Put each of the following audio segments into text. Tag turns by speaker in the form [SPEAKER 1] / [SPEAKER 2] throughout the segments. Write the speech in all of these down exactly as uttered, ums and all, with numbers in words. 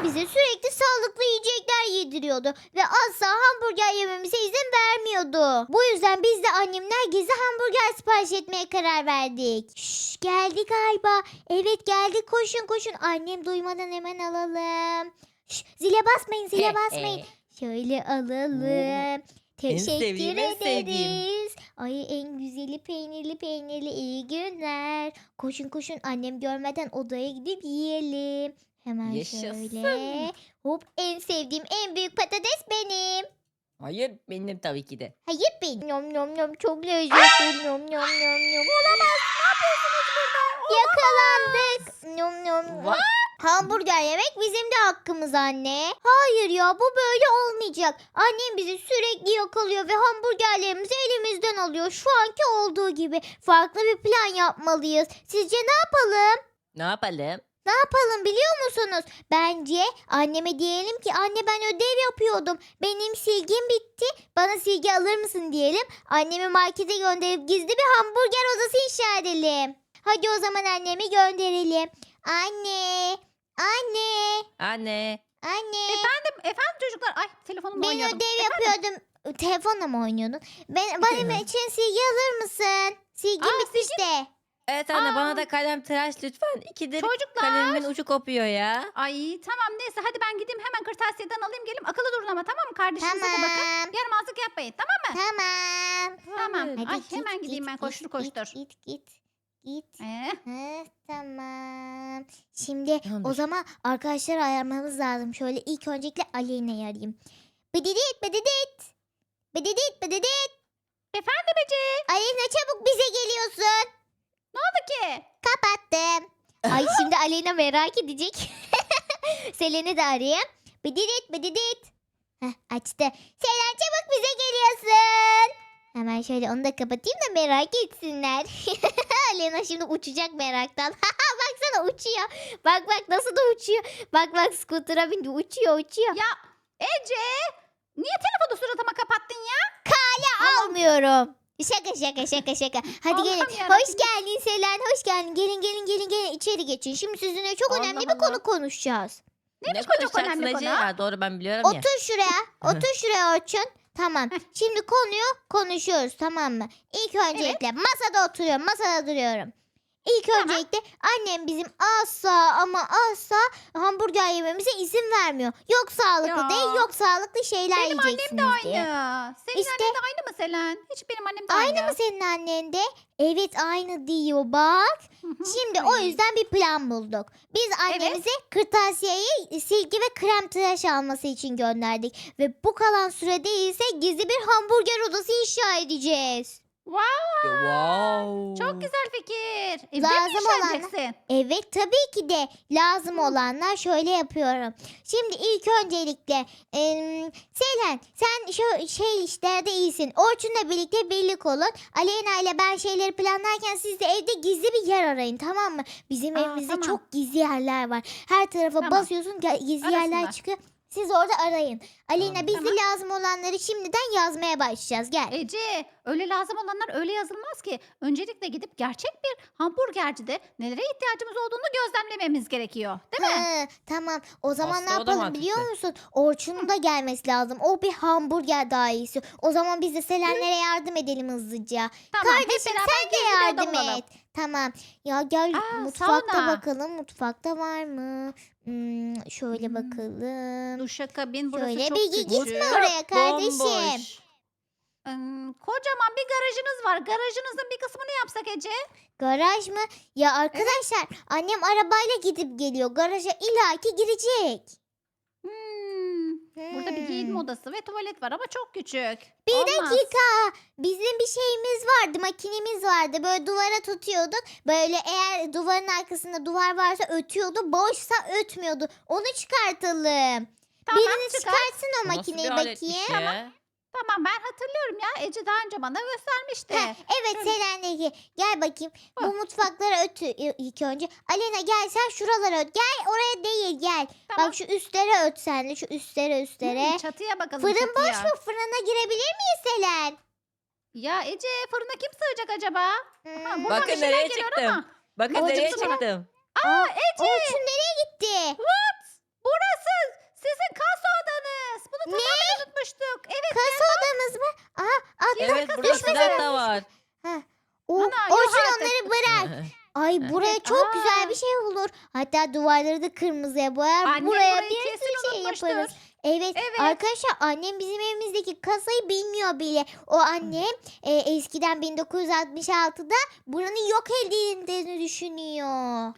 [SPEAKER 1] bize sürekli sağlıklı yiyecekler yediriyordu ve asla hamburger yememize izin vermiyordu. Bu yüzden biz de annemler gizli hamburger sipariş etmeye karar verdik. Şşş, geldi galiba. Evet geldi, koşun koşun. Annem duymadan hemen alalım. Şşş, zile basmayın, zile basmayın. Şöyle alalım. Teşekkür
[SPEAKER 2] sevdiğim, en sevdiğim.
[SPEAKER 1] ederiz. Ay en güzeli peynirli peynirli, iyi günler. Koşun koşun, annem görmeden odaya gidip yiyelim. Hemen
[SPEAKER 2] Yaşasın.
[SPEAKER 1] şöyle. Hop, en sevdiğim en büyük patates benim.
[SPEAKER 2] Hayır benim tabii ki de.
[SPEAKER 1] Hayır benim. Nom nom nom, çok lezzetli. Nom nom nom nom. Olamaz. Ne yapıyorsunuz burada? Yakalandık. Nom nom nom.
[SPEAKER 2] Vay.
[SPEAKER 1] Hamburger yemek bizim de hakkımız anne. Hayır ya, bu böyle olmayacak. Annem bizi sürekli yakalıyor ve hamburgerlerimizi elimizden alıyor. Şu anki olduğu gibi. Farklı bir plan yapmalıyız. Sizce ne yapalım?
[SPEAKER 2] Ne yapalım?
[SPEAKER 1] Ne yapalım biliyor musunuz? Bence anneme diyelim ki anne ben ödev yapıyordum. Benim silgim bitti. Bana silgi alır mısın diyelim. Annemi markete gönderip gizli bir hamburger odası inşa edelim. Hadi o zaman annemi gönderelim. Anne. Anne.
[SPEAKER 2] Anne.
[SPEAKER 1] Anne.
[SPEAKER 3] Efendim, efendim çocuklar. Ay telefonumla
[SPEAKER 1] Ben
[SPEAKER 3] oynuyordum.
[SPEAKER 1] ödev yapıyordum. Telefonla mı oynuyordun? Ben, benim için silgi alır mısın? Silgim
[SPEAKER 3] Aa,
[SPEAKER 1] bitmiş de.
[SPEAKER 2] Evet anne
[SPEAKER 3] Aa.
[SPEAKER 2] bana da kalem tıraş lütfen. İkidir
[SPEAKER 3] Çocuklar.
[SPEAKER 2] kalemimin ucu kopuyor ya.
[SPEAKER 3] Ay tamam neyse hadi ben gideyim hemen kırtasiyeden alayım geleyim. Akıllı durun ama tamam mı? Kardeşinize de bakın.
[SPEAKER 1] Tamam.
[SPEAKER 3] Yaramazlık yapmayın tamam mı?
[SPEAKER 1] Tamam.
[SPEAKER 3] Tamam.
[SPEAKER 2] Hayır.
[SPEAKER 1] Hadi
[SPEAKER 3] Ay
[SPEAKER 1] git,
[SPEAKER 3] hemen
[SPEAKER 1] git,
[SPEAKER 3] gideyim ben
[SPEAKER 1] git,
[SPEAKER 3] koştur
[SPEAKER 1] git,
[SPEAKER 3] koştur.
[SPEAKER 1] Git git git.
[SPEAKER 3] Ee,
[SPEAKER 1] Ha, tamam. Şimdi
[SPEAKER 2] Tamamdır.
[SPEAKER 1] o zaman arkadaşlar ayarlamamız lazım. Şöyle ilk öncelikle Aleyna'yı arayayım. Bıdıdıt bıdıdıt. Bıdıdıt bıdıdıt.
[SPEAKER 3] efendim Ece.
[SPEAKER 1] Aleyna çabuk bize geliyorsun.
[SPEAKER 3] Ne oldu ki?
[SPEAKER 1] Kapattım. Ay şimdi Aleyna merak edecek. Selen'i de arayayım. Bıdıdıt bıdıdıt. Heh, açtı. Selen çabuk bize geliyorsun. Hemen şöyle onu da kapatayım da merak etsinler. Aleyna şimdi uçacak meraktan. Baksana uçuyor. Bak bak nasıl da uçuyor. Bak bak skutura bindi, uçuyor uçuyor.
[SPEAKER 3] Ya Ece. Niye telefonu suratıma kapattın ya?
[SPEAKER 1] Almıyorum. Şaka şaka şaka şaka. Hadi
[SPEAKER 3] Allah'ım
[SPEAKER 1] gelin.
[SPEAKER 3] yarabbim.
[SPEAKER 1] Hoş geldin Selen. Hoş geldin. Gelin gelin gelin gelin içeri geçin. Şimdi sizinle çok
[SPEAKER 2] Allah
[SPEAKER 1] önemli bir
[SPEAKER 2] Allah.
[SPEAKER 1] konu konuşacağız.
[SPEAKER 3] Neymiş
[SPEAKER 2] ne
[SPEAKER 3] bu çok
[SPEAKER 2] konuşacaksın
[SPEAKER 3] önemli
[SPEAKER 2] Ece?
[SPEAKER 3] konu?
[SPEAKER 2] Ha, doğru ben biliyorum ya.
[SPEAKER 1] Otur şuraya. Otur şuraya Orçun. Tamam. Şimdi konuyu konuşuyoruz, tamam mı? İlk öncelikle masada oturuyorum. Masada duruyorum. İlk
[SPEAKER 3] Tamam.
[SPEAKER 1] öncelikle annem bizim asla ama asla hamburger yememize izin vermiyor. Yok sağlıklı
[SPEAKER 3] Ya.
[SPEAKER 1] değil, yok sağlıklı şeyler
[SPEAKER 3] Benim annem
[SPEAKER 1] yiyeceksiniz
[SPEAKER 3] de aynı.
[SPEAKER 1] diye.
[SPEAKER 3] Senin
[SPEAKER 1] İşte-
[SPEAKER 3] annen de aynı mı Selen? Hiç benim annem de aynı.
[SPEAKER 1] Aynı mı senin annen de? Evet aynı diyor bak.
[SPEAKER 3] Hı hı.
[SPEAKER 1] Şimdi o
[SPEAKER 3] Ay.
[SPEAKER 1] yüzden bir plan bulduk. Biz annemize kırtasiyeyi silgi ve krem tıraş alması için gönderdik. Ve bu kalan sürede ise gizli bir hamburger odası inşa edeceğiz.
[SPEAKER 3] Wow,
[SPEAKER 2] Wow.
[SPEAKER 3] çok güzel fikir. Evde
[SPEAKER 1] Lazım
[SPEAKER 3] mi inşa
[SPEAKER 1] olan-
[SPEAKER 3] edeceksin?
[SPEAKER 1] Evet tabii ki de lazım olanlar şöyle yapıyorum. Şimdi ilk öncelikle em, Selen sen şu şey işlerde iyisin. Orçun'la birlikte birlik olun. Aleyna ile ben şeyleri planlarken siz de evde gizli bir yer arayın, tamam mı? Bizim
[SPEAKER 3] Aa,
[SPEAKER 1] evimizde
[SPEAKER 3] tamam.
[SPEAKER 1] çok gizli yerler var. Her tarafa
[SPEAKER 3] Tamam.
[SPEAKER 1] basıyorsun ge- gizli yerler
[SPEAKER 3] Arasınlar.
[SPEAKER 1] çıkıyor. Siz orada arayın. Aleyna
[SPEAKER 2] Tamam.
[SPEAKER 1] biz de
[SPEAKER 3] Tamam.
[SPEAKER 1] lazım olanları şimdiden yazmaya başlayacağız. Gel.
[SPEAKER 3] Ece öyle lazım olanlar öyle yazılmaz ki. Öncelikle gidip gerçek bir hamburgercide nelere ihtiyacımız olduğunu gözlemlememiz gerekiyor. Değil mi?
[SPEAKER 1] Ha, tamam. O zaman ne
[SPEAKER 2] Aslında o da
[SPEAKER 1] yapalım biliyor
[SPEAKER 2] mantıklı.
[SPEAKER 1] musun? Orçun'un da gelmesi lazım. O bir hamburger daha iyisi. O zaman biz de Selenlere yardım edelim hızlıca.
[SPEAKER 3] Tamam. hep
[SPEAKER 1] Kardeşim
[SPEAKER 3] beraber
[SPEAKER 1] sen de
[SPEAKER 3] gizli bir
[SPEAKER 1] yardım
[SPEAKER 3] oda bulalım.
[SPEAKER 1] et. Tamam. Ya gel
[SPEAKER 3] Aa,
[SPEAKER 1] mutfakta
[SPEAKER 3] sauna.
[SPEAKER 1] bakalım. Mutfakta var mı? Hmm, şöyle
[SPEAKER 3] Hmm.
[SPEAKER 1] bakalım.
[SPEAKER 3] Duşakabin burası
[SPEAKER 1] Şöyle
[SPEAKER 3] çok
[SPEAKER 1] bir
[SPEAKER 3] küçük.
[SPEAKER 1] gitme oraya kardeşim.
[SPEAKER 2] Bomboş.
[SPEAKER 3] Hmm, kocaman bir garajınız var. Garajınızın bir kısmını yapsak Ece.
[SPEAKER 1] Garaj mı? Ya arkadaşlar annem arabayla gidip geliyor. Garaja illaki girecek.
[SPEAKER 3] Hmm, Burada bir giyinme
[SPEAKER 1] Hmm.
[SPEAKER 3] odası ve tuvalet var ama çok küçük.
[SPEAKER 1] Bir
[SPEAKER 3] Olmaz.
[SPEAKER 1] dakika. Bizim bir şeyimiz vardı. Makinemiz vardı. Böyle duvara tutuyorduk. Böyle eğer duvarın arkasında duvar varsa ötüyordu. Boşsa ötmüyordu. Onu çıkartalım.
[SPEAKER 3] Tamam
[SPEAKER 1] Biriniz
[SPEAKER 3] çıkar.
[SPEAKER 1] çıkartsın o
[SPEAKER 2] Bu nasıl
[SPEAKER 1] makineyi
[SPEAKER 2] bir aletmiş
[SPEAKER 1] bakayım.
[SPEAKER 2] ya?
[SPEAKER 3] Tamam ben hatırlıyorum ya. Ece daha önce bana göstermişti.
[SPEAKER 1] Heh, evet
[SPEAKER 3] Şöyle.
[SPEAKER 1] Selen'deki. Gel bakayım. Bu
[SPEAKER 3] Hah.
[SPEAKER 1] mutfaklara ötü ilk önce. Alena gel sen şuralara öt. Gel oraya değil gel.
[SPEAKER 3] Tamam.
[SPEAKER 1] Bak şu üstlere öt sen de. Şu üstlere üstlere.
[SPEAKER 3] Hmm, çatıya bakalım
[SPEAKER 1] Fırın
[SPEAKER 3] çatıya.
[SPEAKER 1] boş mu? Fırına girebilir miyiz Selen?
[SPEAKER 3] Ya Ece fırına kim sığacak acaba?
[SPEAKER 1] Hmm.
[SPEAKER 3] Ha, buradan
[SPEAKER 2] Bakın
[SPEAKER 3] bir şeyler
[SPEAKER 2] nereye
[SPEAKER 3] geliyor
[SPEAKER 2] çıktım.
[SPEAKER 3] ama.
[SPEAKER 2] Bakın
[SPEAKER 1] Orada
[SPEAKER 2] nereye
[SPEAKER 1] çıktı mı?
[SPEAKER 2] çıktım.
[SPEAKER 1] Aa, Orçun nereye gitti?
[SPEAKER 3] Burası
[SPEAKER 2] evet burada silah da var.
[SPEAKER 1] Heh. O,
[SPEAKER 3] Ana, yok
[SPEAKER 1] Orçun
[SPEAKER 3] artık.
[SPEAKER 1] onları bırak. Ay buraya çok
[SPEAKER 3] Aa.
[SPEAKER 1] güzel bir şey olur. Hatta duvarları da kırmızıya boyar.
[SPEAKER 3] Annem
[SPEAKER 1] buraya
[SPEAKER 3] burayı
[SPEAKER 1] bir
[SPEAKER 3] kesin
[SPEAKER 1] sürü şey
[SPEAKER 3] unutmuştur.
[SPEAKER 1] yaparız. Evet,
[SPEAKER 3] Evet.
[SPEAKER 1] arkadaşlar annem bizim evimizdeki kasayı bilmiyor bile. O annem e, eskiden bin dokuz yüz altmış altıda buranın yok edildiğini düşünüyor.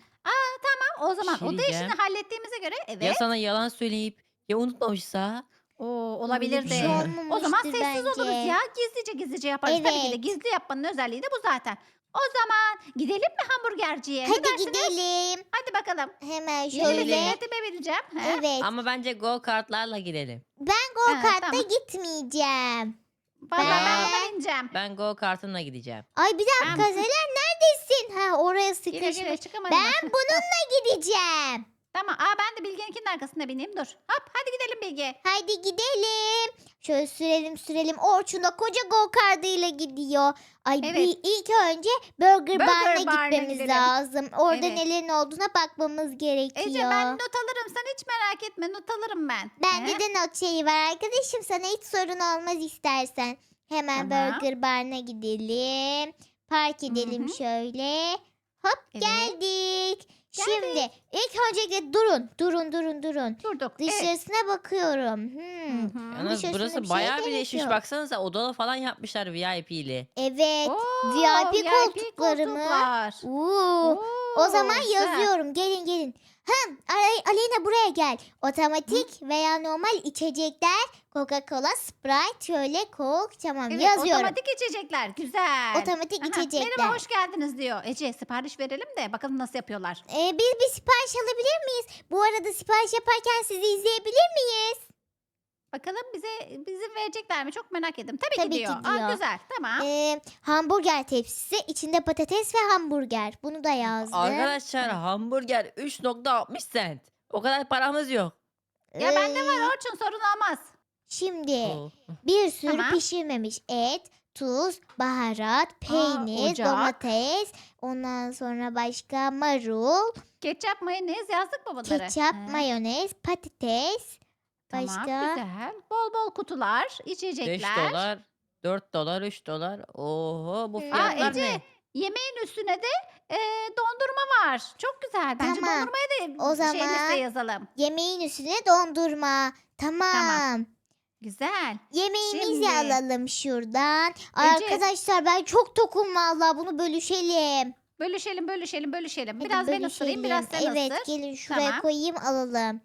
[SPEAKER 3] O zaman
[SPEAKER 2] Bir şey
[SPEAKER 3] oda işini
[SPEAKER 2] diyeceğim.
[SPEAKER 3] hallettiğimize göre evet.
[SPEAKER 2] Ya sana yalan söyleyip ya unutmamışsa?
[SPEAKER 3] Oo,
[SPEAKER 1] Öyle
[SPEAKER 3] olabilir
[SPEAKER 1] bir
[SPEAKER 3] de.
[SPEAKER 1] şey
[SPEAKER 2] O
[SPEAKER 3] O zaman
[SPEAKER 1] olmamıştır
[SPEAKER 3] sessiz
[SPEAKER 1] bence.
[SPEAKER 3] oluruz ya. Gizlice gizlice yaparız. Tabii ki de
[SPEAKER 1] Evet.
[SPEAKER 3] gizli yapmanın özelliği de bu zaten. O zaman gidelim mi hamburgerciye? Ne
[SPEAKER 1] Hadi
[SPEAKER 3] dersiniz?
[SPEAKER 1] gidelim.
[SPEAKER 3] Hadi bakalım.
[SPEAKER 1] Hemen
[SPEAKER 3] Yeni
[SPEAKER 1] şöyle.
[SPEAKER 3] bisikletime bineceğim. He?
[SPEAKER 1] Evet.
[SPEAKER 2] Ama bence go kartlarla gidelim.
[SPEAKER 1] Ben go
[SPEAKER 3] Ha,
[SPEAKER 1] kart'ta
[SPEAKER 3] tamam.
[SPEAKER 1] gitmeyeceğim.
[SPEAKER 3] Vallahi ben
[SPEAKER 2] Ya.
[SPEAKER 3] buna bineceğim.
[SPEAKER 2] Ben go kartımla gideceğim.
[SPEAKER 1] Ay bir dakika
[SPEAKER 3] Ben-
[SPEAKER 1] Selen neredesin? Ha oraya
[SPEAKER 3] Gire gire
[SPEAKER 1] sıkışmış.
[SPEAKER 3] çıkamadım.
[SPEAKER 1] Ben bununla gideceğim.
[SPEAKER 3] Tamam. Aa, ben de Bilge'ninkinin arkasına bineyim. Dur. Hop hadi gidelim Bilge.
[SPEAKER 1] Haydi gidelim. Şöyle sürelim sürelim. Orçun da koca go kartıyla gidiyor. Ay
[SPEAKER 3] Evet.
[SPEAKER 1] bir ilk önce Burger,
[SPEAKER 3] Burger
[SPEAKER 1] Bar'ına
[SPEAKER 3] Bar'ına
[SPEAKER 1] gitmemiz
[SPEAKER 3] gidelim.
[SPEAKER 1] lazım. Orada
[SPEAKER 3] Evet.
[SPEAKER 1] nelerin olduğuna bakmamız gerekiyor.
[SPEAKER 3] Ece ben not alırım. Sen hiç merak etme. Not alırım ben.
[SPEAKER 1] Bende
[SPEAKER 3] He?
[SPEAKER 1] de not şeyi var arkadaşım. Sana hiç sorun olmaz istersen. Hemen
[SPEAKER 3] Tamam.
[SPEAKER 1] Burger Bar'ına gidelim. Park edelim
[SPEAKER 3] hı.
[SPEAKER 1] şöyle. Hop
[SPEAKER 3] Evet.
[SPEAKER 1] geldik. Şimdi ilk öncelikle durun. Durun durun durun.
[SPEAKER 3] Durduk. Evet.
[SPEAKER 1] Dışarısına bakıyorum. Hmm.
[SPEAKER 3] Hı hı.
[SPEAKER 2] Yalnız
[SPEAKER 1] dışarısında
[SPEAKER 2] burası
[SPEAKER 1] bir şey
[SPEAKER 2] bayağı
[SPEAKER 1] gerek
[SPEAKER 2] birleşmiş.
[SPEAKER 1] yok.
[SPEAKER 2] Baksanıza odalı falan yapmışlar V I P'li.
[SPEAKER 1] Evet.
[SPEAKER 3] Oo,
[SPEAKER 1] V I P koltukları mı?
[SPEAKER 3] koltuklar.
[SPEAKER 1] Oo.
[SPEAKER 3] Oo,
[SPEAKER 1] O zaman
[SPEAKER 3] güzel.
[SPEAKER 1] yazıyorum. Gelin gelin. Hı, Ale- Aleyna buraya gel. Otomatik veya normal içecekler. Coca-Cola, Sprite, şöyle Coke. Tamam
[SPEAKER 3] Evet,
[SPEAKER 1] yazıyorum.
[SPEAKER 3] otomatik içecekler. Güzel.
[SPEAKER 1] Otomatik
[SPEAKER 3] Aha,
[SPEAKER 1] içecekler.
[SPEAKER 3] Merhaba hoş geldiniz diyor. Ece sipariş verelim de bakalım nasıl yapıyorlar.
[SPEAKER 1] Ee, biz bir sipariş alabilir miyiz? Bu arada sipariş yaparken sizi izleyebilir miyiz?
[SPEAKER 3] Bakalım bize bizim verecekler mi? Çok merak ettim. Tabii,
[SPEAKER 1] Tabii
[SPEAKER 3] ki
[SPEAKER 1] ki
[SPEAKER 3] diyor.
[SPEAKER 1] diyor.
[SPEAKER 3] Aa, güzel. Tamam.
[SPEAKER 1] Ee, hamburger tepsisi, içinde patates ve hamburger. Bunu da yazdım.
[SPEAKER 2] Arkadaşlar hamburger üç nokta altmış cent. O kadar paramız yok.
[SPEAKER 3] Ya bende
[SPEAKER 1] Ee,
[SPEAKER 3] var Orçun, sorun olmaz.
[SPEAKER 1] Şimdi
[SPEAKER 2] Oo.
[SPEAKER 1] bir sürü
[SPEAKER 3] Tamam.
[SPEAKER 1] pişirmemiş et, tuz, baharat, peynir,
[SPEAKER 3] ocak.
[SPEAKER 1] domates, ondan sonra başka marul,
[SPEAKER 3] Ketçap, mayonez yazdık mı bunları?
[SPEAKER 1] ketçap,
[SPEAKER 3] He.
[SPEAKER 1] mayonez, patates,
[SPEAKER 3] Tamam,
[SPEAKER 1] başka
[SPEAKER 3] güzel. Bol bol kutular,
[SPEAKER 2] beş
[SPEAKER 3] içecekler.
[SPEAKER 2] dolar, dört dolar, üç dolar. Oho bu
[SPEAKER 1] Aa,
[SPEAKER 2] fiyatlar
[SPEAKER 3] Ece,
[SPEAKER 2] ne?
[SPEAKER 3] Yemeğin üstüne de e, dondurma var. Çok güzel. Bence
[SPEAKER 1] Tamam.
[SPEAKER 3] dondurmaya da
[SPEAKER 1] O
[SPEAKER 3] şey
[SPEAKER 1] zaman-
[SPEAKER 3] listeye yazalım.
[SPEAKER 1] yemeğin üstüne dondurma. Tamam.
[SPEAKER 3] Tamam. Güzel.
[SPEAKER 1] Yemeğimizi
[SPEAKER 3] Şimdi-
[SPEAKER 1] alalım şuradan.
[SPEAKER 3] Ece-
[SPEAKER 1] Arkadaşlar ben çok tokum vallahi bunu bölüşelim.
[SPEAKER 3] Bölüşelim, bölüşelim, bölüşelim.
[SPEAKER 1] Hadi
[SPEAKER 3] Biraz ben ısırayım, biraz sen
[SPEAKER 1] evet,
[SPEAKER 3] ısır.
[SPEAKER 1] gelin şuraya
[SPEAKER 3] Tamam.
[SPEAKER 1] koyayım alalım.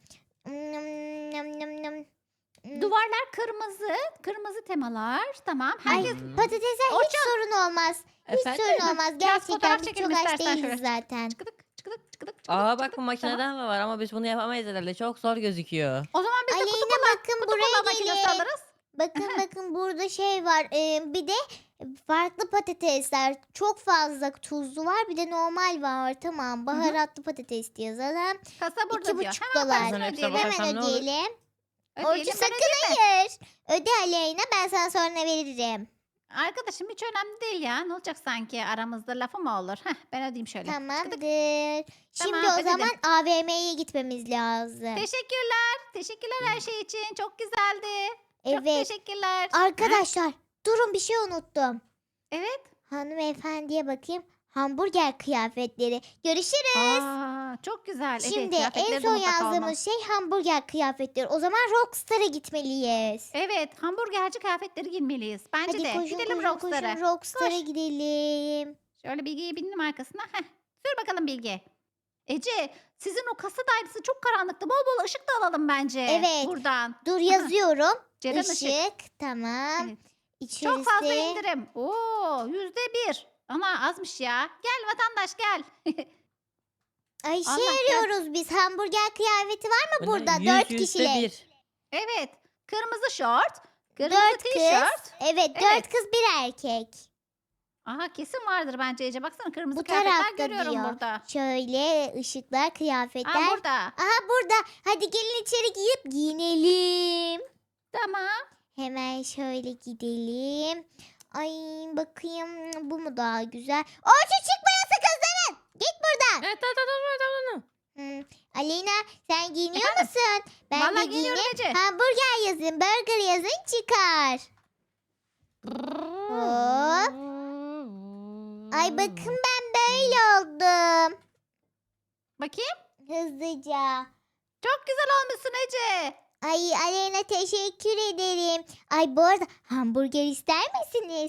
[SPEAKER 1] Nım, nım, nım, nım. Hmm.
[SPEAKER 3] Duvarlar kırmızı, kırmızı temalar. Tamam.
[SPEAKER 1] Ay
[SPEAKER 3] Herkes
[SPEAKER 2] Hmm.
[SPEAKER 1] patatese hiç
[SPEAKER 3] Orçun.
[SPEAKER 1] sorun olmaz. Hiç
[SPEAKER 2] Efendim?
[SPEAKER 1] sorun olmaz.
[SPEAKER 3] Biraz
[SPEAKER 1] Gerçekten
[SPEAKER 3] fotoğraf
[SPEAKER 1] biz
[SPEAKER 3] çekelim
[SPEAKER 1] çok aç
[SPEAKER 3] istersen
[SPEAKER 1] değiliz
[SPEAKER 3] şöyle.
[SPEAKER 1] zaten.
[SPEAKER 3] çıkıdık, çıkıdık, çıkıdık, çıkıdık.
[SPEAKER 2] Aa
[SPEAKER 3] çıkıdık.
[SPEAKER 2] bak bu
[SPEAKER 3] Tamam.
[SPEAKER 2] makineden mi var ama biz bunu yapamayız herhalde. Çok zor gözüküyor.
[SPEAKER 3] O zaman biz de kutu
[SPEAKER 1] Aleyna
[SPEAKER 3] kola,
[SPEAKER 1] bakın
[SPEAKER 3] kutu
[SPEAKER 1] buraya
[SPEAKER 3] kola makinesi
[SPEAKER 1] gelin.
[SPEAKER 3] alırız.
[SPEAKER 1] Bakın bakın burada şey var. Ee, bir de farklı patatesler. Çok fazla tuzlu var. Bir de normal var. Tamam. Baharatlı patates diye yazalım.
[SPEAKER 3] Kasa burada
[SPEAKER 1] İki
[SPEAKER 3] diyor.
[SPEAKER 1] buçuk
[SPEAKER 3] Hemen
[SPEAKER 1] dolar.
[SPEAKER 3] parasını
[SPEAKER 2] Hepsine
[SPEAKER 3] ödeyelim.
[SPEAKER 2] bakarsam
[SPEAKER 1] Hemen
[SPEAKER 2] ne olur?
[SPEAKER 1] ödeyelim.
[SPEAKER 3] Ödeyelim,
[SPEAKER 1] Orçun
[SPEAKER 3] ben
[SPEAKER 1] sakın
[SPEAKER 3] ödeyeyim mi?
[SPEAKER 1] hayır. Öde Aleyna, ben sana sonra veririm.
[SPEAKER 3] Arkadaşım hiç önemli değil ya. Ne olacak sanki, aramızda lafı mı olur? Heh, ben ödeyeyim şöyle. Çıkıdık.
[SPEAKER 1] Tamamdır. Şimdi
[SPEAKER 3] Tamam,
[SPEAKER 1] o
[SPEAKER 3] ödedim.
[SPEAKER 1] zaman A V M'ye gitmemiz lazım.
[SPEAKER 3] Teşekkürler. Teşekkürler her şey için. Çok güzeldi. Çok
[SPEAKER 1] Evet.
[SPEAKER 3] teşekkürler.
[SPEAKER 1] Arkadaşlar durun, bir şey unuttum.
[SPEAKER 3] Evet.
[SPEAKER 1] Hanımefendiye bakayım. Hamburger kıyafetleri. Görüşürüz.
[SPEAKER 3] Aa, çok güzel.
[SPEAKER 1] Şimdi
[SPEAKER 3] evet,
[SPEAKER 1] en
[SPEAKER 3] kıyafetleri de
[SPEAKER 1] son
[SPEAKER 3] mutlaka
[SPEAKER 1] yazdığımız
[SPEAKER 3] olmalı.
[SPEAKER 1] şey hamburger kıyafetleri. O zaman Rockstar'a gitmeliyiz.
[SPEAKER 3] Evet, hamburgerci kıyafetleri giymeliyiz. Bence
[SPEAKER 1] Hadi
[SPEAKER 3] de.
[SPEAKER 1] koşun
[SPEAKER 3] Gidelim
[SPEAKER 1] koşun
[SPEAKER 3] Rockstar'a.
[SPEAKER 1] koşun Rockstar'a
[SPEAKER 3] Koş.
[SPEAKER 1] gidelim.
[SPEAKER 3] Şöyle Bilge'yi bindim arkasına. Heh. Sür bakalım Bilge. Ece, sizin o kasa dairesi çok karanlıktı. Bol bol ışık da alalım bence.
[SPEAKER 1] Evet.
[SPEAKER 3] Buradan.
[SPEAKER 1] Dur yazıyorum.
[SPEAKER 3] Ceren
[SPEAKER 1] Işık.
[SPEAKER 3] ışık.
[SPEAKER 1] Tamam.
[SPEAKER 3] Evet.
[SPEAKER 1] İçerisi.
[SPEAKER 3] Çok fazla indirim. Oo, yüzde bir. Ana azmış ya. Gel vatandaş gel.
[SPEAKER 1] Ay şey
[SPEAKER 3] Allah gel.
[SPEAKER 1] arıyoruz biz. Hamburger kıyafeti var mı
[SPEAKER 2] Bu ne?
[SPEAKER 1] burada?
[SPEAKER 2] Yüz,
[SPEAKER 1] Dört
[SPEAKER 2] yüzde
[SPEAKER 1] kişilik.
[SPEAKER 2] bir.
[SPEAKER 3] Evet. Kırmızı şort. Kırmızı
[SPEAKER 1] Dört kız.
[SPEAKER 3] tişört.
[SPEAKER 1] Evet,
[SPEAKER 3] Evet.
[SPEAKER 1] dört kız bir erkek.
[SPEAKER 3] Aha kesin vardır bence Ece. Baksana kırmızı
[SPEAKER 1] Bu
[SPEAKER 3] kıyafetler
[SPEAKER 1] tarafta
[SPEAKER 3] görüyorum
[SPEAKER 1] diyor.
[SPEAKER 3] burada.
[SPEAKER 1] Şöyle ışıklar, kıyafetler.
[SPEAKER 3] Aa burada.
[SPEAKER 1] Aha burada. Hadi gelin içeri giyip giyinelim.
[SPEAKER 3] Tamam.
[SPEAKER 1] Hemen şöyle gidelim. Ay bakayım, bu mu daha güzel? Orçun çıkmayası kızların. Git buradan.
[SPEAKER 2] Evet tamam tamam tamam tamam.
[SPEAKER 1] Hmm. Aleyna sen giyiniyor
[SPEAKER 3] Efendim?
[SPEAKER 1] musun? Ben
[SPEAKER 3] Vallahi
[SPEAKER 1] de
[SPEAKER 3] giyiniyorum
[SPEAKER 1] giyineyim.
[SPEAKER 3] Ece.
[SPEAKER 1] Hamburger yazın, burger yazın çıkar. Hop. Ay bakın ben böyle oldum.
[SPEAKER 3] Bakayım.
[SPEAKER 1] Hızlıca.
[SPEAKER 3] Çok güzel olmuşsun Ece.
[SPEAKER 1] Ay Aleyna teşekkür ederim. Ay bu arada hamburger ister misiniz?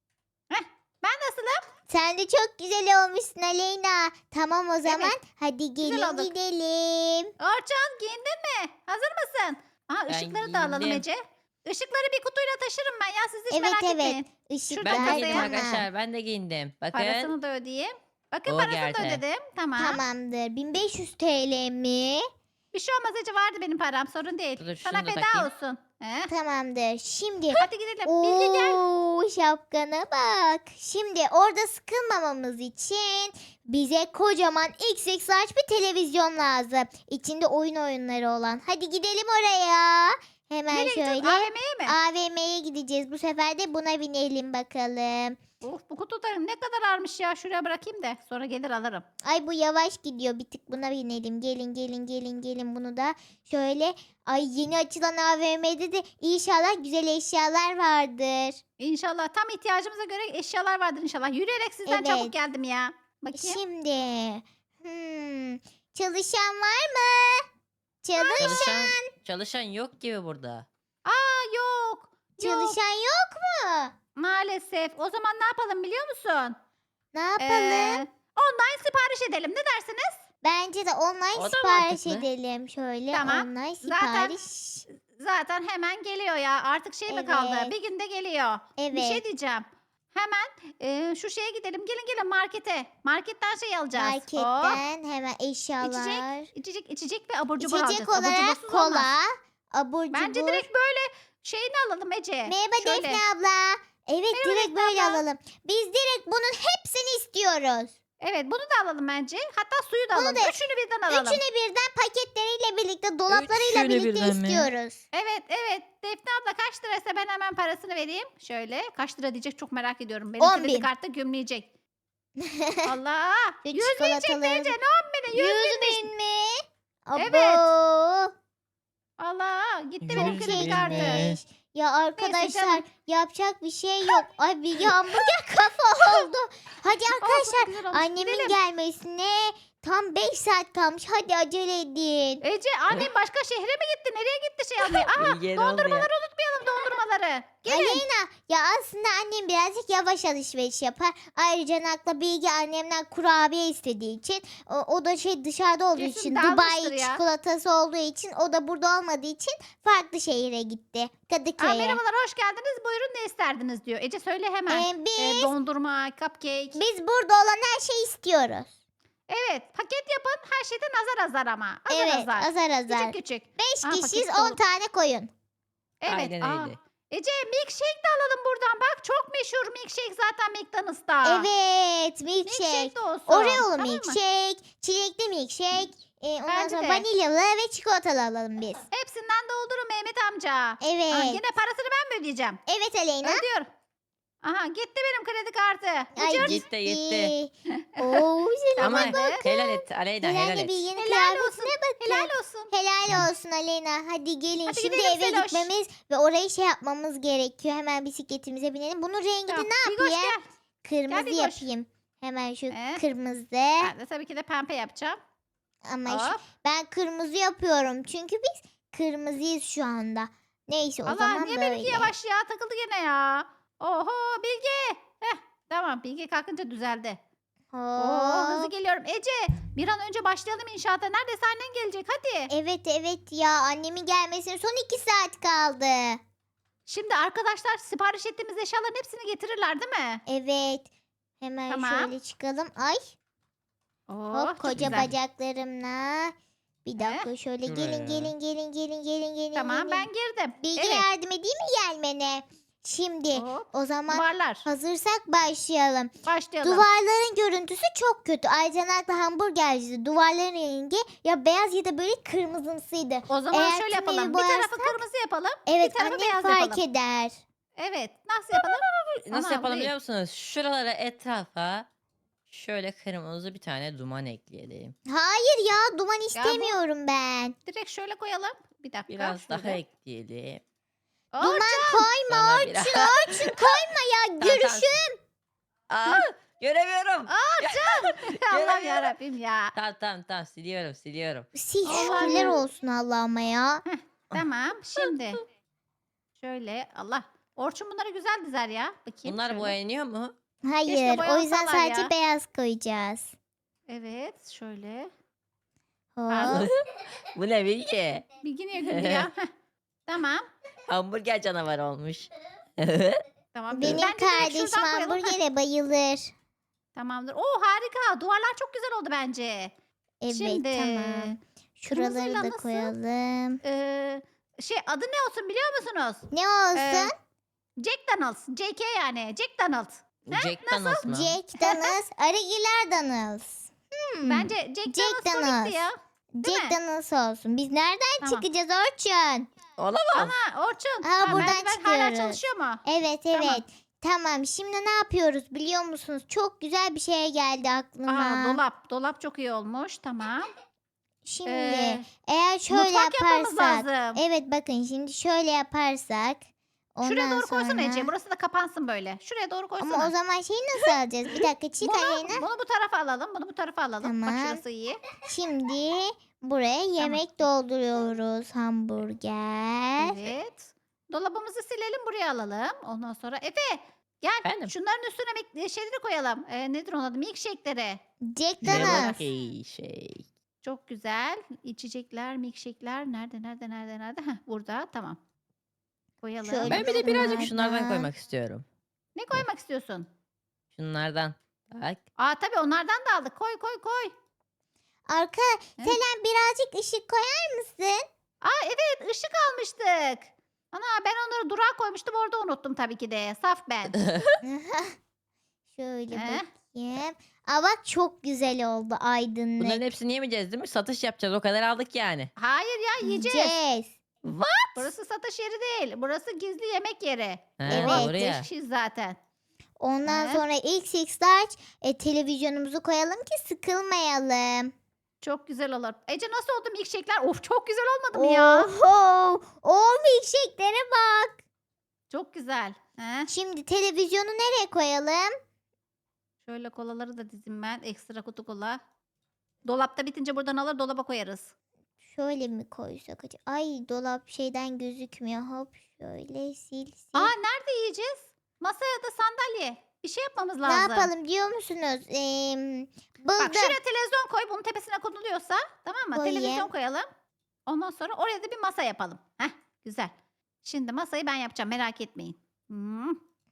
[SPEAKER 3] Ben nasılım?
[SPEAKER 1] Sen de çok güzel olmuşsun Aleyna. Tamam o zaman hadi
[SPEAKER 3] güzel
[SPEAKER 1] gelin
[SPEAKER 3] olduk.
[SPEAKER 1] gidelim.
[SPEAKER 3] Orçun giyindin mi? Hazır mısın? Aha
[SPEAKER 2] Ben
[SPEAKER 3] ışıkları da alalım
[SPEAKER 2] giyindim.
[SPEAKER 3] Ece. Işıkları bir kutuyla taşırım ben ya siz hiç
[SPEAKER 1] Evet,
[SPEAKER 3] merak
[SPEAKER 1] evet.
[SPEAKER 3] etmeyin.
[SPEAKER 1] Işık
[SPEAKER 3] Şurada
[SPEAKER 2] Ben de
[SPEAKER 3] kasaya-
[SPEAKER 2] giyindim
[SPEAKER 1] bana.
[SPEAKER 2] arkadaşlar. Ben de giyindim. Bakın.
[SPEAKER 3] Parasını da ödeyeyim. Bakın
[SPEAKER 2] O
[SPEAKER 3] parasını da
[SPEAKER 2] geldi.
[SPEAKER 3] ödedim. Tamam.
[SPEAKER 1] Tamamdır. bin beş yüz T L mi?
[SPEAKER 3] Bir şey olmaz Ece vardı benim param sorun değil.
[SPEAKER 2] Dur,
[SPEAKER 3] Sana
[SPEAKER 2] şunu da
[SPEAKER 3] feda
[SPEAKER 2] takayım.
[SPEAKER 3] olsun. He?
[SPEAKER 1] Tamamdır. Şimdi
[SPEAKER 3] Hadi gidelim. Bilge gel.
[SPEAKER 1] Oo, şapkana bak. Şimdi orada sıkılmamamız için bize kocaman X X large bir televizyon lazım. İçinde oyun oyunları olan. Hadi gidelim oraya. Hemen
[SPEAKER 3] Nereye gideceğiz?
[SPEAKER 1] şöyle
[SPEAKER 3] A V M'ye mi?
[SPEAKER 1] A V M'ye gideceğiz. Bu sefer de buna binelim bakalım.
[SPEAKER 3] Of bu kutularım ne kadar ağırmış ya. Şuraya bırakayım da sonra gelir alırım.
[SPEAKER 1] Ay bu yavaş gidiyor. Bir tık buna binelim. Gelin gelin gelin gelin bunu da şöyle. Ay yeni açılan A V M'de de inşallah güzel eşyalar vardır.
[SPEAKER 3] İnşallah tam ihtiyacımıza göre eşyalar vardır inşallah. Yürüyerek sizden çabuk
[SPEAKER 1] Evet.
[SPEAKER 3] geldim ya. Bakayım.
[SPEAKER 1] Şimdi hmm, çalışan var mı? Çalış
[SPEAKER 2] Çalışan, çalışan yok gibi burada.
[SPEAKER 3] Aa yok. Yok.
[SPEAKER 1] çalışan yok mu?
[SPEAKER 3] Maalesef. O zaman ne yapalım biliyor musun?
[SPEAKER 1] Ne yapalım?
[SPEAKER 3] Ee, online sipariş edelim. Ne dersiniz?
[SPEAKER 1] Bence de online
[SPEAKER 2] O da
[SPEAKER 1] sipariş
[SPEAKER 2] mantıklı.
[SPEAKER 1] edelim şöyle.
[SPEAKER 3] Tamam.
[SPEAKER 1] Online
[SPEAKER 3] Zaten-
[SPEAKER 1] sipariş.
[SPEAKER 3] Zaten hemen geliyor ya. Artık şey mi kaldı?
[SPEAKER 1] Evet.
[SPEAKER 3] Bir günde geliyor.
[SPEAKER 1] Evet.
[SPEAKER 3] Bir şey diyeceğim. Hemen e, şu şeye gidelim. Gelin gelin markete. Marketten şey alacağız. Hop.
[SPEAKER 1] Marketten hemen eşyalar.
[SPEAKER 3] İçecek, içecek ve abur cubur
[SPEAKER 1] İçecek
[SPEAKER 3] alacağız. Abur
[SPEAKER 1] olarak
[SPEAKER 3] cubursuz olmaz.
[SPEAKER 1] kola, abur cubur.
[SPEAKER 3] Bence direkt böyle şeyini alalım Ece.
[SPEAKER 1] Merhaba
[SPEAKER 3] Şöyle.
[SPEAKER 1] Defne abla. Evet direkt
[SPEAKER 3] Defne
[SPEAKER 1] böyle
[SPEAKER 3] abla.
[SPEAKER 1] alalım. Biz direkt bunun hepsini istiyoruz.
[SPEAKER 3] Evet bunu da alalım bence. Hatta suyu da
[SPEAKER 1] Bunu
[SPEAKER 3] alalım.
[SPEAKER 1] da-
[SPEAKER 3] Üçünü birden alalım.
[SPEAKER 1] Üçünü birden paketleriyle birlikte, dolaplarıyla
[SPEAKER 2] Üçünü
[SPEAKER 1] birlikte
[SPEAKER 2] birden mi?
[SPEAKER 1] istiyoruz.
[SPEAKER 3] Evet evet. Defne abla kaç liraysa ben hemen parasını vereyim. Şöyle kaç lira diyecek çok merak ediyorum. Benim
[SPEAKER 1] On
[SPEAKER 3] kredi
[SPEAKER 1] bin.
[SPEAKER 3] kartı gümleyecek. Allah.
[SPEAKER 1] Şu
[SPEAKER 3] Yüz bin çıktı
[SPEAKER 1] çikolataları-
[SPEAKER 3] Ece. Ne on bini? Yüz
[SPEAKER 1] Yüz
[SPEAKER 3] bin.
[SPEAKER 1] bin mi?
[SPEAKER 3] Evet.
[SPEAKER 1] Abo.
[SPEAKER 3] Allah. Gitti benim
[SPEAKER 2] Yüz
[SPEAKER 3] kredi
[SPEAKER 2] bin
[SPEAKER 3] kartı.
[SPEAKER 2] mi?
[SPEAKER 1] Çekmiş. Ya arkadaşlar
[SPEAKER 3] canım.
[SPEAKER 1] yapacak bir şey yok. Ay bir hamburger kafa oldu. Hadi arkadaşlar
[SPEAKER 3] Olsun, güzel olmuş.
[SPEAKER 1] annemin
[SPEAKER 3] Gidelim.
[SPEAKER 1] gelmesine tam beş saat kalmış. Hadi acele edin.
[SPEAKER 3] Ece annem başka şehre mi gitti? Nereye gitti şey almaya? Aha
[SPEAKER 2] Bilge ne oldu ya?
[SPEAKER 3] dondurmaları unutmayalım dondurmaları. Gelin.
[SPEAKER 1] Aleyna ya aslında annem birazcık yavaş alışveriş yapar. Ayrıca Nakla Bilge annemden kurabiye istediği için o, o da şey dışarıda olduğu
[SPEAKER 3] Kesin
[SPEAKER 1] için
[SPEAKER 3] dalmıştır
[SPEAKER 1] Dubai
[SPEAKER 3] ya.
[SPEAKER 1] çikolatası olduğu için o da burada olmadığı için farklı şehire gitti.
[SPEAKER 3] Aa,
[SPEAKER 1] Kadıköy'e.
[SPEAKER 3] merhabalar hoş geldiniz. Buyurun ne isterdiniz diyor. Ece söyle hemen.
[SPEAKER 1] Ee, biz,
[SPEAKER 3] Ee, dondurma, cupcake.
[SPEAKER 1] biz burada olan her şeyi istiyoruz.
[SPEAKER 3] Evet paket yapın. Her şeyden azar azar ama. Azar
[SPEAKER 1] evet
[SPEAKER 3] azar.
[SPEAKER 1] azar azar.
[SPEAKER 3] Küçük küçük.
[SPEAKER 1] beş
[SPEAKER 3] Aa,
[SPEAKER 1] kişiyiz
[SPEAKER 3] paket
[SPEAKER 1] on
[SPEAKER 3] dolu.
[SPEAKER 1] tane koyun.
[SPEAKER 3] Evet.
[SPEAKER 2] Aynen
[SPEAKER 3] aa.
[SPEAKER 2] öyle.
[SPEAKER 3] Ece milkshake de alalım buradan. Bak çok meşhur milkshake zaten McDonald's'ta.
[SPEAKER 1] Evet milkshake.
[SPEAKER 3] Milkshake de olsun.
[SPEAKER 1] Oreo'lu
[SPEAKER 3] Tamam mı?
[SPEAKER 1] milkshake, çilekli milkshake, e, ondan
[SPEAKER 3] Bence
[SPEAKER 1] sonra
[SPEAKER 3] de.
[SPEAKER 1] vanilyalı ve çikolatalı alalım biz.
[SPEAKER 3] Hepsinden doldurun Mehmet amca.
[SPEAKER 1] Evet.
[SPEAKER 3] Aa, yine parasını ben mi ödeyeceğim?
[SPEAKER 1] Evet Aleyna.
[SPEAKER 3] Ödüyor. Aha gitti benim kredi kartı.
[SPEAKER 1] Ay
[SPEAKER 3] Ucuz.
[SPEAKER 2] Gitti, gitti.
[SPEAKER 1] Oo selam.
[SPEAKER 2] Ama
[SPEAKER 3] Tamam.
[SPEAKER 2] helal et Aleyna helal
[SPEAKER 1] Helal
[SPEAKER 2] et.
[SPEAKER 1] Bilge'nin
[SPEAKER 3] Helal olsun.
[SPEAKER 1] kıyafetine bakın.
[SPEAKER 3] Helal olsun.
[SPEAKER 1] Helal olsun Aleyna. Hadi gelin.
[SPEAKER 3] Hadi
[SPEAKER 1] Şimdi
[SPEAKER 3] gidelim
[SPEAKER 1] eve
[SPEAKER 3] Seloş.
[SPEAKER 1] gitmemiz ve orayı şey yapmamız gerekiyor. Hemen bisikletimize binelim. Bunun rengini
[SPEAKER 3] Tamam.
[SPEAKER 1] ne
[SPEAKER 3] Bigoş
[SPEAKER 1] yapayım?
[SPEAKER 3] gel.
[SPEAKER 1] Kırmızı
[SPEAKER 3] Bigoş.
[SPEAKER 1] yapayım. Hemen şu
[SPEAKER 3] Ee?
[SPEAKER 1] kırmızı.
[SPEAKER 3] Ben de tabii ki de pembe yapacağım.
[SPEAKER 1] Ama şu-
[SPEAKER 3] Hop.
[SPEAKER 1] ben kırmızı yapıyorum. Çünkü biz kırmızıyız şu anda. Neyse o
[SPEAKER 3] Allah
[SPEAKER 1] zaman
[SPEAKER 3] niye
[SPEAKER 1] böyle.
[SPEAKER 3] benimki yavaş ya takıldı gene ya. Oho Bilge. Heh, tamam Bilge kalkınca düzeldi. Oo, hızlı
[SPEAKER 1] Hop.
[SPEAKER 3] geliyorum. Ece bir an önce başlayalım inşaata. Neredeyse annen gelecek hadi.
[SPEAKER 1] Evet evet ya annemin gelmesine son iki saat kaldı.
[SPEAKER 3] Şimdi arkadaşlar sipariş ettiğimiz eşyaların hepsini getirirler değil mi?
[SPEAKER 1] Evet. Hemen
[SPEAKER 3] Tamam.
[SPEAKER 1] şöyle çıkalım. Ay
[SPEAKER 3] Oo,
[SPEAKER 1] hop
[SPEAKER 3] çok
[SPEAKER 1] koca
[SPEAKER 3] güzel.
[SPEAKER 1] bacaklarımla. Bir dakika şöyle gelin
[SPEAKER 2] Şuraya.
[SPEAKER 1] gelin gelin gelin gelin gelin.
[SPEAKER 3] Tamam
[SPEAKER 1] gelin.
[SPEAKER 3] ben girdim.
[SPEAKER 1] Bilge
[SPEAKER 3] Evet.
[SPEAKER 1] yardım edeyim mi gelmene? Şimdi
[SPEAKER 3] Hop,
[SPEAKER 1] o zaman
[SPEAKER 3] duvarlar.
[SPEAKER 1] hazırsak başlayalım.
[SPEAKER 3] Başlayalım.
[SPEAKER 1] Duvarların görüntüsü çok kötü. Ayrıca Nakla hamburgercisi duvarların rengi ya beyaz ya da böyle kırmızımsıydı.
[SPEAKER 3] O zaman
[SPEAKER 1] Eğer
[SPEAKER 3] şöyle
[SPEAKER 1] tümünü
[SPEAKER 3] yapalım. Bir tarafı
[SPEAKER 1] boyarsak-
[SPEAKER 3] kırmızı yapalım.
[SPEAKER 1] Evet
[SPEAKER 3] bir tarafı
[SPEAKER 1] annem
[SPEAKER 3] beyaz
[SPEAKER 1] fark
[SPEAKER 3] yapalım.
[SPEAKER 1] eder.
[SPEAKER 3] Evet. Nasıl yapalım?
[SPEAKER 2] Nasıl
[SPEAKER 3] Ana,
[SPEAKER 2] yapalım
[SPEAKER 3] buyur.
[SPEAKER 2] biliyor musunuz? Şuralara etrafa şöyle kırmızı bir tane duman ekleyelim.
[SPEAKER 1] Hayır ya duman
[SPEAKER 3] bu-
[SPEAKER 1] istemiyorum ben.
[SPEAKER 3] Direkt şöyle koyalım. Bir dakika.
[SPEAKER 2] Biraz daha
[SPEAKER 3] şöyle.
[SPEAKER 2] ekleyelim.
[SPEAKER 1] Duman
[SPEAKER 3] Orçun.
[SPEAKER 1] koyma
[SPEAKER 2] Bana
[SPEAKER 1] Orçun.
[SPEAKER 2] biraz-
[SPEAKER 1] Orçun koyma ya.
[SPEAKER 2] Tamam,
[SPEAKER 1] Görüşüm.
[SPEAKER 2] Aa, göremiyorum.
[SPEAKER 3] Allah'ım
[SPEAKER 2] Göremiyorum.
[SPEAKER 3] yarabbim ya.
[SPEAKER 2] Tamam tamam tamam siliyorum siliyorum.
[SPEAKER 1] Sil
[SPEAKER 3] Allah'ım
[SPEAKER 1] şükürler
[SPEAKER 3] ya.
[SPEAKER 1] olsun Allah'ıma ya.
[SPEAKER 3] Tamam şimdi. Şöyle Allah. Orçun bunları güzel dizer ya. Bakayım
[SPEAKER 2] Bunlar
[SPEAKER 3] şöyle.
[SPEAKER 2] boyanıyor mu?
[SPEAKER 1] Hayır o yüzden
[SPEAKER 3] boyansalar
[SPEAKER 1] sadece
[SPEAKER 3] ya.
[SPEAKER 1] beyaz koyacağız.
[SPEAKER 3] Evet şöyle.
[SPEAKER 1] Hop.
[SPEAKER 3] Pardon.
[SPEAKER 2] Bu ne bilgi?
[SPEAKER 3] Bilgi niye güldü ya? Heh, tamam.
[SPEAKER 2] Hamburger canavarı olmuş.
[SPEAKER 3] Tamam.
[SPEAKER 1] Benim
[SPEAKER 3] Bence direkt
[SPEAKER 1] kardeşim
[SPEAKER 3] şuradan koyalım. Heh,
[SPEAKER 1] hamburgere bayılır.
[SPEAKER 3] tamamdır. Oo harika. Duvarlar çok güzel oldu bence.
[SPEAKER 1] Evet
[SPEAKER 3] Şimdi.
[SPEAKER 1] tamam. Şuraları
[SPEAKER 3] kırmızıyla
[SPEAKER 1] da
[SPEAKER 3] nasıl?
[SPEAKER 1] koyalım.
[SPEAKER 3] Ee, şey adı ne olsun biliyor musunuz?
[SPEAKER 1] Ne olsun?
[SPEAKER 3] Ee, Jack Daniels. J K yani. Jack Daniels.
[SPEAKER 2] Jack Daniels mı?
[SPEAKER 1] Jack Daniels, Arıgiler Daniels. Hmm.
[SPEAKER 3] Bence Jack,
[SPEAKER 1] Jack
[SPEAKER 3] Daniels
[SPEAKER 1] Daniels.
[SPEAKER 3] komikti ya. Değil
[SPEAKER 1] Jack
[SPEAKER 3] mi?
[SPEAKER 1] Daniels olsun. Biz nereden
[SPEAKER 3] Tamam.
[SPEAKER 1] çıkacağız Orçun?
[SPEAKER 2] Olamaz.
[SPEAKER 3] Ana Orçun.
[SPEAKER 1] Aa,
[SPEAKER 3] ha,
[SPEAKER 1] buradan
[SPEAKER 3] merdiven hala
[SPEAKER 1] çıkıyoruz.
[SPEAKER 3] çalışıyor mu?
[SPEAKER 1] Evet evet.
[SPEAKER 3] Tamam.
[SPEAKER 1] Tamam. Şimdi ne yapıyoruz biliyor musunuz? Çok güzel bir şey geldi aklıma.
[SPEAKER 3] Aa dolap. Dolap çok iyi olmuş. Tamam.
[SPEAKER 1] Şimdi
[SPEAKER 3] Ee,
[SPEAKER 1] eğer şöyle
[SPEAKER 3] mutfak yapmamız
[SPEAKER 1] yaparsak.
[SPEAKER 3] lazım.
[SPEAKER 1] Evet bakın şimdi şöyle yaparsak. Ondan
[SPEAKER 3] Şuraya doğru koysana
[SPEAKER 1] sonra...
[SPEAKER 3] Ece. Burası da kapansın böyle. Şuraya doğru koysana.
[SPEAKER 1] Ama o zaman şeyi nasıl alacağız? Bir dakika çık
[SPEAKER 3] bunu,
[SPEAKER 1] Aleyna.
[SPEAKER 3] bunu bu tarafa alalım. Bunu bu tarafa alalım. Bak
[SPEAKER 1] Tamam.
[SPEAKER 3] şurası iyi.
[SPEAKER 1] Şimdi buraya yemek dolduruyoruz. Hamburger.
[SPEAKER 3] Evet. Dolabımızı silelim buraya alalım. Ondan sonra Efe gel.
[SPEAKER 2] Efendim?
[SPEAKER 3] Şunların üstüne mek- şeyleri koyalım. Ee, nedir onun adı? Milkshake'leri.
[SPEAKER 1] Jack
[SPEAKER 2] Ne
[SPEAKER 1] Daniels.
[SPEAKER 2] bak iyi şey.
[SPEAKER 3] Çok güzel. İçecekler, milkshake'ler. Nerede, nerede, nerede, nerede? Heh, burada. Tamam. Koyalım.
[SPEAKER 1] Şöyle
[SPEAKER 2] Ben bir de birazcık şunlardan
[SPEAKER 1] Şunlardan.
[SPEAKER 2] koymak istiyorum.
[SPEAKER 3] Ne koymak istiyorsun?
[SPEAKER 2] Şunlardan. Bak.
[SPEAKER 3] Aa tabii onlardan da aldık. Koy, koy, koy.
[SPEAKER 1] Arka Selen birazcık ışık koyar mısın?
[SPEAKER 3] Aa evet ışık almıştık. Ana ben onları durağa koymuştum orada unuttum tabii ki de. Saf ben.
[SPEAKER 1] Şöyle
[SPEAKER 3] Heh.
[SPEAKER 1] bakayım. Aa bak çok güzel oldu aydınlık.
[SPEAKER 2] Bunların hepsini yemeyeceğiz değil mi? Satış yapacağız. O kadar aldık yani.
[SPEAKER 3] Hayır ya yiyeceğiz.
[SPEAKER 1] Yiyeceğiz.
[SPEAKER 3] Burası satış yeri değil. Burası gizli yemek yeri.
[SPEAKER 2] Ha,
[SPEAKER 1] Evet.
[SPEAKER 2] doğru ya.
[SPEAKER 3] Beş kişiyiz zaten.
[SPEAKER 1] Ondan
[SPEAKER 3] He.
[SPEAKER 1] sonra ilk six large e, televizyonumuzu koyalım ki sıkılmayalım.
[SPEAKER 3] Çok güzel olur. Ece nasıl oldu milkshake'ler? Of çok güzel olmadı mı ya?
[SPEAKER 1] Oho! O milkshake'lere bak.
[SPEAKER 3] Çok güzel. He?
[SPEAKER 1] Şimdi televizyonu nereye koyalım?
[SPEAKER 3] Şöyle kolaları da dizim ben. Ekstra kutu kola. Dolapta bitince buradan alır dolaba koyarız.
[SPEAKER 1] Şöyle mi koysak acaba? Ay dolap şeyden gözükmüyor. Hop şöyle sil sil.
[SPEAKER 3] Aa nerede yiyeceğiz? Masaya da sandalye. Bir şey yapmamız
[SPEAKER 1] ne
[SPEAKER 3] lazım.
[SPEAKER 1] yapalım diyor musunuz? Ee,
[SPEAKER 3] Bak
[SPEAKER 1] buldum.
[SPEAKER 3] şuraya televizyon koy. Bunun tepesine konuluyorsa tamam mı?
[SPEAKER 1] Koyayım.
[SPEAKER 3] Televizyon koyalım. Ondan sonra oraya da bir masa yapalım. Heh güzel. Şimdi masayı ben yapacağım merak etmeyin. Hmm.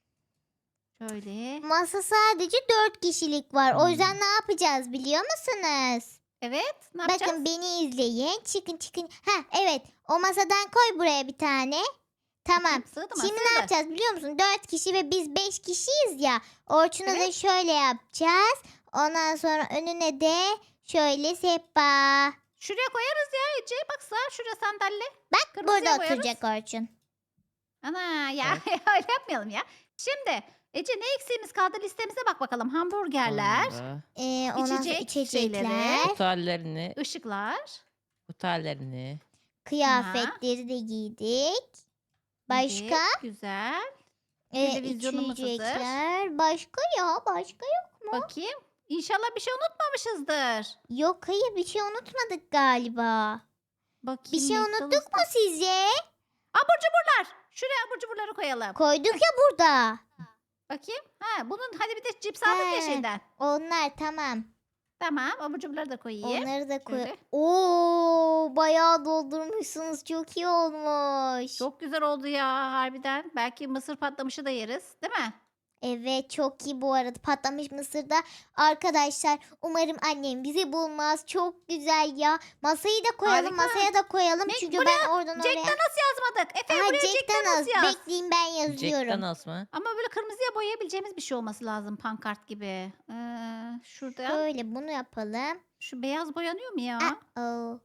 [SPEAKER 3] Şöyle.
[SPEAKER 1] Masa sadece dört kişilik var. O
[SPEAKER 2] Hmm.
[SPEAKER 1] yüzden ne yapacağız biliyor musunuz?
[SPEAKER 3] Evet ne yapacağız?
[SPEAKER 1] Bakın beni izleyin. Çıkın çıkın. Ha evet. O masadan koy buraya bir tane. Tamam.
[SPEAKER 3] Bakayım, sığdı mı?
[SPEAKER 1] Şimdi
[SPEAKER 3] Sığdı.
[SPEAKER 1] ne yapacağız biliyor musun? Dört kişi ve biz beş kişiyiz ya. Orçun'a da
[SPEAKER 3] Evet.
[SPEAKER 1] şöyle yapacağız. Ondan sonra önüne de şöyle sehpa.
[SPEAKER 3] Şuraya koyarız ya Ece. Bak sağ şuraya sandalye.
[SPEAKER 1] Bak
[SPEAKER 3] Kırmızıya
[SPEAKER 1] burada
[SPEAKER 3] koyarız.
[SPEAKER 1] oturacak Orçun.
[SPEAKER 3] Ana ya öyle yapmayalım ya. Şimdi Ece ne eksiğimiz kaldı listemize bak bakalım. Hamburgerler,
[SPEAKER 2] Sonra
[SPEAKER 1] Ee, ondan sonra
[SPEAKER 3] İçecek
[SPEAKER 1] içecekler,
[SPEAKER 3] şeyleri.
[SPEAKER 2] kutu hallerini,
[SPEAKER 3] ışıklar.
[SPEAKER 2] kutu hallerini.
[SPEAKER 1] kıyafetleri de giydik. Başka?
[SPEAKER 3] Evet, güzel.
[SPEAKER 1] Ee,
[SPEAKER 3] televizyonumuz hazır.
[SPEAKER 1] içecekler. Başka ya başka yok.
[SPEAKER 3] Bakayım. İnşallah bir şey unutmamışızdır.
[SPEAKER 1] Yok hayır bir şey unutmadık galiba.
[SPEAKER 3] Bakayım.
[SPEAKER 1] Bir şey unuttuk mu
[SPEAKER 3] McDonald's'ta-
[SPEAKER 1] sizce?
[SPEAKER 3] Abur cuburlar. Şuraya abur cuburları koyalım.
[SPEAKER 1] Koyduk ya burada.
[SPEAKER 3] Bakayım. Ha, bunun hadi bir de cips aldık ya
[SPEAKER 1] He.
[SPEAKER 3] şeyden.
[SPEAKER 1] Onlar tamam.
[SPEAKER 3] Tamam abur cuburları da koyayım.
[SPEAKER 1] Onları da koy.
[SPEAKER 3] Şöyle.
[SPEAKER 1] Oo bayağı doldurmuşsunuz. Çok iyi olmuş.
[SPEAKER 3] Çok güzel oldu ya harbiden. Belki mısır patlamışı da yeriz. Değil mi?
[SPEAKER 1] Evet çok iyi bu arada patlamış mısırda. Arkadaşlar umarım annem bizi bulmaz. Çok güzel ya. Masayı da koyalım
[SPEAKER 3] Harika.
[SPEAKER 1] masaya da koyalım.
[SPEAKER 3] Mac,
[SPEAKER 1] Çünkü
[SPEAKER 3] buraya
[SPEAKER 1] ben oradan
[SPEAKER 3] Jack
[SPEAKER 1] oraya.
[SPEAKER 3] Daniels yazmadık. Efe
[SPEAKER 1] Aha,
[SPEAKER 3] buraya
[SPEAKER 1] Jack
[SPEAKER 3] Jack Daniels
[SPEAKER 1] Daniels.
[SPEAKER 3] yaz.
[SPEAKER 1] Bekleyin ben
[SPEAKER 2] Jack
[SPEAKER 1] yazıyorum.
[SPEAKER 2] Daniels mı?
[SPEAKER 3] Ama böyle kırmızıya boyayabileceğimiz bir şey olması lazım pankart gibi. Ee, şurada
[SPEAKER 1] Şöyle bunu yapalım.
[SPEAKER 3] şu beyaz boyanıyor mu ya?
[SPEAKER 1] Oh,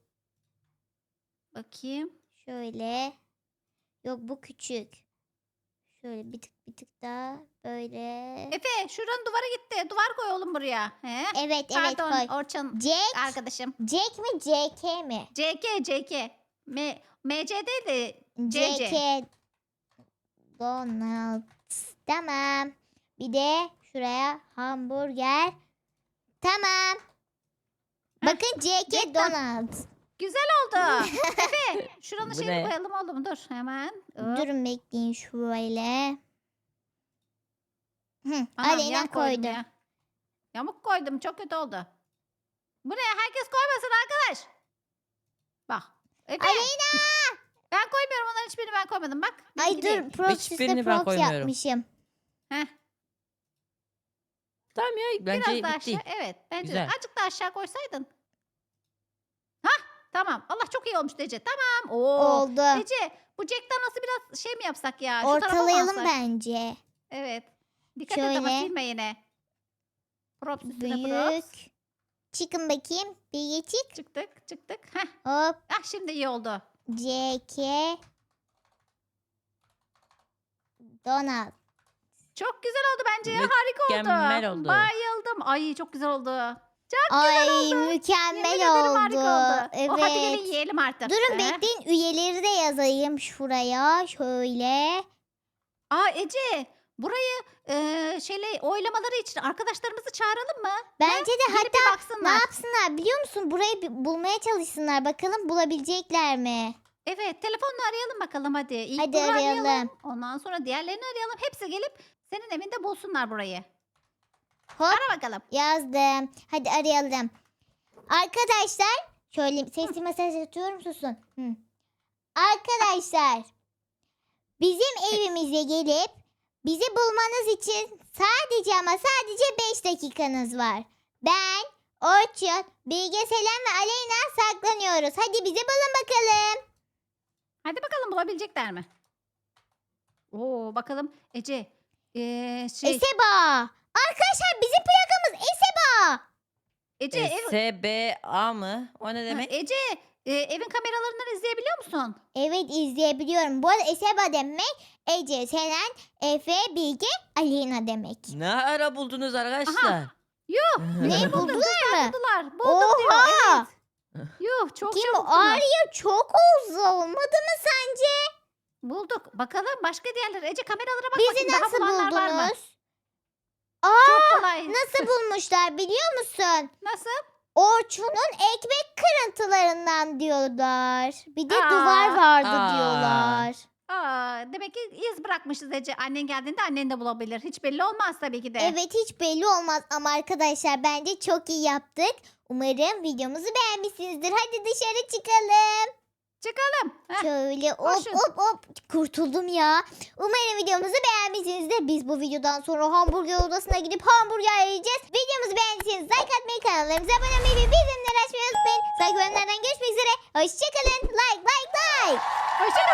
[SPEAKER 3] Bakayım.
[SPEAKER 1] şöyle. Yok bu küçük. Şöyle bir tık bir tık daha böyle.
[SPEAKER 3] Efe şuranın duvarı gitti. Duvar koy oğlum buraya. He?
[SPEAKER 1] Evet evet
[SPEAKER 3] Pardon
[SPEAKER 1] koy.
[SPEAKER 3] Orçun
[SPEAKER 1] Jack,
[SPEAKER 3] arkadaşım.
[SPEAKER 1] Jack mi J K mi?
[SPEAKER 3] C K C K. M, M C değil de C C.
[SPEAKER 1] J K. Donald's. Tamam. Bir de şuraya hamburger. Tamam. Bakın C K
[SPEAKER 3] Jack'tan.
[SPEAKER 1] Donald.
[SPEAKER 3] Güzel oldu. Efe şuranın
[SPEAKER 2] Bu
[SPEAKER 3] şeyini
[SPEAKER 2] ne?
[SPEAKER 3] koyalım oğlum dur hemen. Hop.
[SPEAKER 1] Durun bekleyin şöyle. Hı,
[SPEAKER 3] Anam,
[SPEAKER 1] Aleyna
[SPEAKER 3] yan koydum
[SPEAKER 1] koydu.
[SPEAKER 3] ya. Yamuk koydum çok kötü oldu. Bu ne herkes koymasın arkadaş. Bak. Efe.
[SPEAKER 1] Aleyna!
[SPEAKER 3] Ben koymuyorum onların hiçbirini ben koymadım bak.
[SPEAKER 1] Ay
[SPEAKER 3] benimki değil.
[SPEAKER 1] dur proxy'de
[SPEAKER 2] Hiçbirini ben
[SPEAKER 1] prox
[SPEAKER 2] koymuyorum.
[SPEAKER 1] yapmışım.
[SPEAKER 3] Heh,
[SPEAKER 2] Tamam ya bence
[SPEAKER 3] biraz daha
[SPEAKER 2] bitti.
[SPEAKER 3] aşağı. Evet bence
[SPEAKER 2] Güzel.
[SPEAKER 3] de. Azıcık daha aşağı koysaydın. Hah tamam. Allah çok iyi olmuş Ece. Tamam. Oo.
[SPEAKER 1] Oldu.
[SPEAKER 3] Ece bu Jack'tan nasıl biraz şey mi yapsak ya? Şu tarafa mı
[SPEAKER 1] Ortalayalım
[SPEAKER 3] alsak?
[SPEAKER 1] bence.
[SPEAKER 3] Evet. Dikkat et ama
[SPEAKER 1] Şöyle.
[SPEAKER 3] silme yine. Props üstüne props.
[SPEAKER 1] Büyük. Çıkın bakayım. Bir geçik.
[SPEAKER 3] Çıktık çıktık. Heh.
[SPEAKER 1] Hop.
[SPEAKER 3] Ah şimdi iyi oldu.
[SPEAKER 1] C K Donald.
[SPEAKER 3] Çok güzel oldu bence ya. Harika oldu.
[SPEAKER 2] Mükemmel oldu.
[SPEAKER 3] Bayıldım. Ay çok güzel oldu.
[SPEAKER 1] Ay
[SPEAKER 3] Yemin
[SPEAKER 1] mükemmel
[SPEAKER 3] ederim
[SPEAKER 1] oldu.
[SPEAKER 3] harika oldu.
[SPEAKER 1] Evet.
[SPEAKER 3] O, hadi gelin yiyelim artık.
[SPEAKER 1] Durun
[SPEAKER 3] Ee?
[SPEAKER 1] bekleyin üyeleri de yazayım şuraya. Şöyle.
[SPEAKER 3] Aa Ece burayı e, şeyle oylamaları için arkadaşlarımızı çağıralım mı?
[SPEAKER 1] Bence de
[SPEAKER 3] Gelip
[SPEAKER 1] hatta
[SPEAKER 3] bir
[SPEAKER 1] ne
[SPEAKER 3] baksınlar.
[SPEAKER 1] yapsınlar biliyor musun? Burayı bir bulmaya çalışsınlar. Bakalım bulabilecekler mi?
[SPEAKER 3] Evet telefonla arayalım bakalım hadi. İlk
[SPEAKER 1] Hadi
[SPEAKER 3] bunu
[SPEAKER 1] arayalım.
[SPEAKER 3] Ondan sonra diğerlerini arayalım. Hepsi gelip senin evinde bulsunlar burayı.
[SPEAKER 1] Hop
[SPEAKER 3] Ara bakalım.
[SPEAKER 1] yazdım. Hadi arayalım. Arkadaşlar şöyle sesli mesaj atıyorum susun. Hı. Arkadaşlar bizim evimize gelip bizi bulmanız için sadece ama sadece beş dakikanız var. Ben, Orçun, Bilge, Selen ve Aleyna saklanıyoruz. Hadi bizi bulun bakalım.
[SPEAKER 3] Hadi bakalım bulabilecekler mi? Oo bakalım Ece. Ee, şey,
[SPEAKER 1] Eseba. Arkadaşlar bizim plakamız Eseba.
[SPEAKER 3] Ece, ev,
[SPEAKER 2] S B A mı? O ne
[SPEAKER 3] Ha,
[SPEAKER 2] demek?
[SPEAKER 3] Ece e, evin kameralarından izleyebiliyor musun?
[SPEAKER 1] Evet izleyebiliyorum. Bu arada Eseba demek Ece, Selen, Efe, Bilge, Aleyna demek.
[SPEAKER 2] Ne ara buldunuz arkadaşlar?
[SPEAKER 3] Yuh.
[SPEAKER 1] Ne
[SPEAKER 3] Buldum,
[SPEAKER 1] buldular mı?
[SPEAKER 3] Buldular. Buldum diyor.
[SPEAKER 1] Oha!
[SPEAKER 3] Evet. Yuh çok
[SPEAKER 1] Kim
[SPEAKER 3] çabuk
[SPEAKER 1] bu?
[SPEAKER 3] buldular.
[SPEAKER 1] Arya çok uzun olmadı mı sence?
[SPEAKER 3] Bulduk. Bakalım başka diğerleri. Ece kameralara bak
[SPEAKER 1] Bizi
[SPEAKER 3] bakayım. Daha
[SPEAKER 1] nasıl
[SPEAKER 3] bulanlar var mı?
[SPEAKER 1] buldunuz?
[SPEAKER 3] Çok kolay.
[SPEAKER 1] Nasıl bulmuşlar biliyor musun?
[SPEAKER 3] Nasıl?
[SPEAKER 1] Orçun'un ekmek kırıntılarından diyorlar. Bir de
[SPEAKER 3] Aa,
[SPEAKER 1] duvar vardı
[SPEAKER 2] aa.
[SPEAKER 1] diyorlar.
[SPEAKER 3] Aa, demek ki iz bırakmışız Ece. Annen geldiğinde annen de bulabilir. Hiç belli olmaz tabii ki de.
[SPEAKER 1] Evet hiç belli olmaz ama arkadaşlar bence çok iyi yaptık. Umarım videomuzu beğenmişsinizdir. Hadi dışarı çıkalım.
[SPEAKER 3] Çıkalım. Heh,
[SPEAKER 1] Şöyle hop
[SPEAKER 3] koşun.
[SPEAKER 1] hop hop kurtuldum ya. Umarım videomuzu beğenmişsinizdir. Biz bu videodan sonra hamburger odasına gidip hamburger yiyeceğiz. Videomuzu beğendiyseniz like atmayı, kanallarımıza abone olmayı ve bildirimleri açmayı unutmayın. Sonraki bölümlerden görüşmek üzere. Hoşçakalın. Like like like.
[SPEAKER 3] Hoşçakalın.